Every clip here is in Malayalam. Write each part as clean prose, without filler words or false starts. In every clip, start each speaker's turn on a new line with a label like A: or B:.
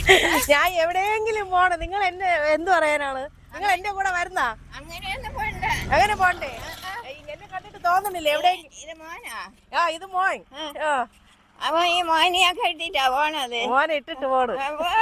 A: ഞാൻ എവിടെയെങ്കിലും പോണം. നിങ്ങൾ എന്നെ എന്ത് പറയാനാണ്? നിങ്ങൾ എന്റെ കൂടെ വരുന്നാ? അങ്ങനെ പോണ്ടേ? എന്നെ കണ്ടിട്ട് തോന്നുന്നില്ല എവിടെയെങ്കിലും. ഇത് മോൻ.
B: അവൻ ഈ മോനെയൊക്കെ ഇട്ടിട്ടാ പോണത്.
A: മോനെ ഇട്ടിട്ട് പോണ്.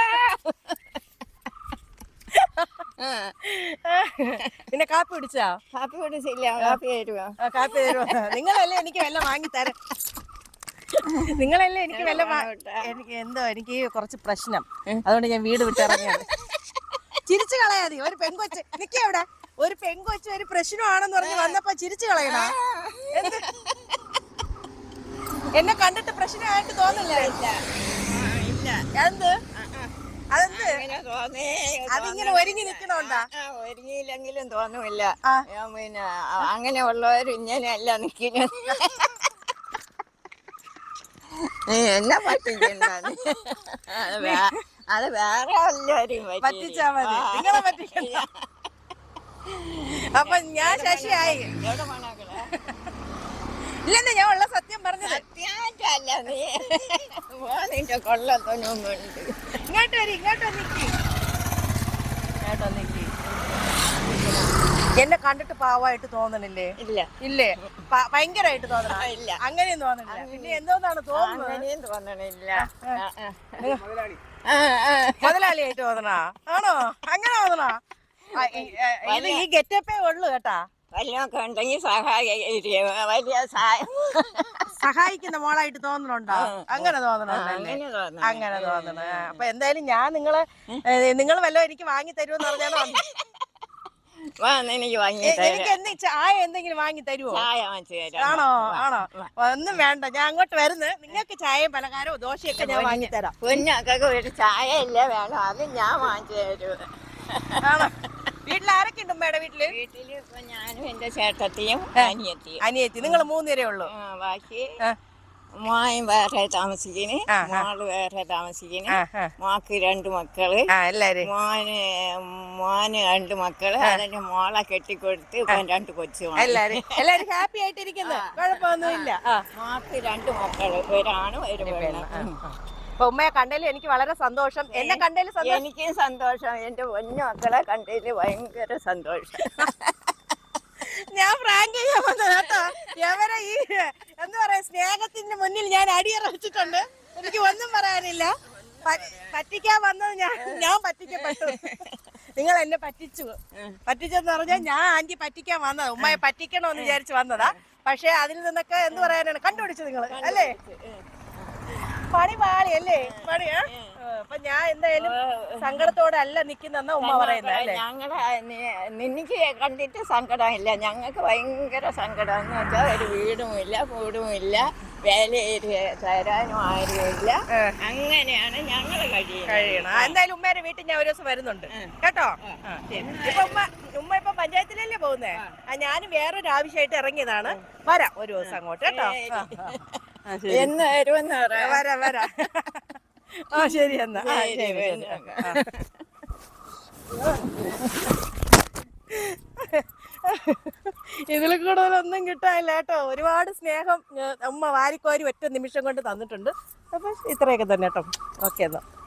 A: പിന്നെ കാപ്പി കുടിച്ചാ?
B: കാപ്പി കുടിച്ചില്ല. കാപ്പി തരുവോ?
A: കാപ്പി തരുമോ? നിങ്ങളല്ലേ എനിക്ക് വല്ല വാങ്ങിത്തരാം. നിങ്ങളല്ലേ എനിക്ക് വല്ല എനിക്ക് എന്തോ എനിക്ക് കുറച്ച് പ്രശ്നം, അതുകൊണ്ട് ഞാൻ വീട് വിട്ടിറങ്ങിയാണ്. ചിരിച്ചു കളയാതി. ഒരു പെങ്കൊച്ച് നിക്കേ എവിടെ? ഒരു പെങ്കൊച്ച് ഒരു പ്രശ്നമാണെന്ന് പറഞ്ഞ് വന്നപ്പോ ചിരിച്ചു കളയണ? എന്നെ കണ്ടിട്ട് പ്രശ്നമായിട്ട് തോന്നില്ല. എന്ത് അതെന്ത് അതിങ്ങനെ ഒരുങ്ങി നിക്കണോണ്ടാ?
B: ഒരുങ്ങിയില്ലെങ്കിലും തോന്നുമില്ല. പിന്നെ അങ്ങനെയുള്ളവർ ഇങ്ങനെയല്ല നിക്കുന്നത്. എന്നെ പറ്റിക്കണ്ട. അത് വേറെ എല്ലാവരും
A: പറ്റിച്ചാ മതി, നിങ്ങളെ പറ്റിക്കണ്ട. അപ്പൊ ഞാൻ ശശിയായി. ഇല്ലെന്ന് ഞാൻ ഉള്ള സത്യം പറഞ്ഞത്.
B: സത്യമായിട്ടല്ല. നീ കൊള്ളത്തൊന്നുമുണ്ട്.
A: ഇങ്ങോട്ട് വരി, ഇങ്ങോട്ട് നിക്കി. എന്നെ കണ്ടിട്ട് പാവമായിട്ട് തോന്നണില്ലേ?
B: ഇല്ല.
A: ഇല്ലേ? ഭയങ്കരമായിട്ട് തോന്നണ? ഇല്ല, അങ്ങനെയും തോന്നണില്ല. പിന്നെ എന്തോന്നാണ് തോന്നുന്നത്?
B: അങ്ങനെയും തോന്നണില്ല.
A: മുതലാളിയായിട്ട് തോന്നണ? ആണോ? അങ്ങനെ തോന്നണ? ഈ ഗെറ്റപ്പേ ഉള്ളു കേട്ടാ.
B: വല്ലതൊക്കെ ഉണ്ടെങ്കിൽ വലിയ
A: സഹായിക്കുന്ന മോളായിട്ട് തോന്നണുണ്ടോ? അങ്ങനെ തോന്നണല്ലേ? അങ്ങനെ തോന്നണ. അപ്പൊ എന്തായാലും ഞാൻ നിങ്ങൾ വല്ലതും എനിക്ക് വാങ്ങി തരുമെന്ന് പറഞ്ഞാണോ? എനിക്ക് ചായ എന്തെങ്കിലും വാങ്ങി തരുമോ? ആണോ? ആണോ? ഒന്നും വേണ്ട, ഞാൻ അങ്ങോട്ട് വരുന്നത്. നിങ്ങൾക്ക് ചായയും പലഹാരവും ദോശയൊക്കെ ഞാൻ വാങ്ങി തരാം.
B: കുഞ്ഞൊക്കെ ഒരു ചായ ഇല്ല വേണം, അത് ഞാൻ വാങ്ങിച്ചു തരും.
A: ആണോ? വീട്ടിൽ ആരൊക്കെ ഉണ്ട് ഉമ്മയുടെ വീട്ടില്?
B: വീട്ടില് ഇപ്പൊ ഞാനും എന്റെ ചേട്ടത്തിയും
A: അനിയത്തി. നിങ്ങൾ 3 പേരേ ഉള്ളൂ?
B: ബാക്കി മോൻ വേറെ താമസിക്കുന്നു, മോള് വേറെ താമസിക്കുന്നു. മോക്ക് 2 മക്കള്. മോന് 2 മക്കള്. അതിന്റെ മോളെ കെട്ടിക്കൊടുത്ത് ഇപ്പൊ 2 കൊച്ചു.
A: എല്ലാരും ഹാപ്പി ആയിട്ടിരിക്കുന്നു, കുഴപ്പമൊന്നുമില്ല.
B: മോക്ക് 2 മക്കള്, ഒരാണും ഒരു പെണ്ണും.
A: അപ്പൊ ഉമ്മയെ കണ്ടതിൽ എനിക്ക് വളരെ സന്തോഷം. എന്നെ കണ്ടതിൽ
B: എനിക്കും സന്തോഷം. എന്റെ പൊന്നു മക്കളെ കണ്ടതിൽ ഭയങ്കര സന്തോഷം.
A: ഞാൻ പ്രാങ്ക് ചെയ്യാൻ വന്നത് കേട്ടോ. എവരെ ഈ എന്താ പറയാ, സ്നേഹത്തിന്റെ മുന്നിൽ ഞാൻ അടിയറച്ചിട്ടുണ്ട്. എനിക്ക് ഒന്നും പറയാനില്ല. പറ്റിക്കാൻ വന്നത് ഞാൻ പറ്റിക്കപ്പെട്ടു. നിങ്ങൾ എന്നെ പറ്റിച്ചെന്ന് പറഞ്ഞാൽ ഞാൻ ആന്റി പറ്റിക്കാൻ വന്നത്, ഉമ്മയെ പറ്റിക്കണമെന്ന് വിചാരിച്ച് വന്നതാ. പക്ഷെ അതിൽ നിന്നൊക്കെ എന്ത് പറയാനാണ് കണ്ടുപിടിച്ചു നിങ്ങൾ അല്ലേ? പണി പാളി അല്ലേ? പണിയാ. അപ്പൊ ഞാൻ എന്തായാലും സങ്കടത്തോടെ അല്ല നിക്കുന്നെന്നാ ഉമ്മ പറയുന്നത് അല്ലേ?
B: നിനക്ക് കണ്ടിട്ട് സങ്കടമില്ല, ഞങ്ങൾക്ക് ഭയങ്കര സങ്കടം. എന്ന് വെച്ചാൽ ഒരു വീടുമില്ല കൂടുമില്ല, വേല തരാനും ആരുമില്ല. അങ്ങനെയാണ് ഞങ്ങൾ കഴിയണം.
A: എന്തായാലും ഉമ്മയുടെ വീട്ടിൽ ഞാൻ ഒരു ദിവസം വരുന്നുണ്ട് കേട്ടോ. ഇപ്പൊ ഉമ്മ ഇപ്പൊ പഞ്ചായത്തിലല്ലേ പോകുന്നേ? ഞാനും വേറൊരു ആവശ്യമായിട്ട് ഇറങ്ങിയതാണ്. വരാം ഒരു ദിവസം അങ്ങോട്ട് കേട്ടോ.
B: എന്ന് വരുമെന്ന്
A: വരാം. ശരി എന്നാ. ഇതിൽ കൂടുതലൊന്നും കിട്ടാനില്ല കേട്ടോ. ഒരുപാട് സ്നേഹം ഉമ്മ വാരിക്കോരി ഒറ്റ നിമിഷം കൊണ്ട് തന്നിട്ടുണ്ട്. അപ്പൊ ഇത്രയൊക്കെ തന്നെ കേട്ടോ. ഓക്കെ എന്നാ.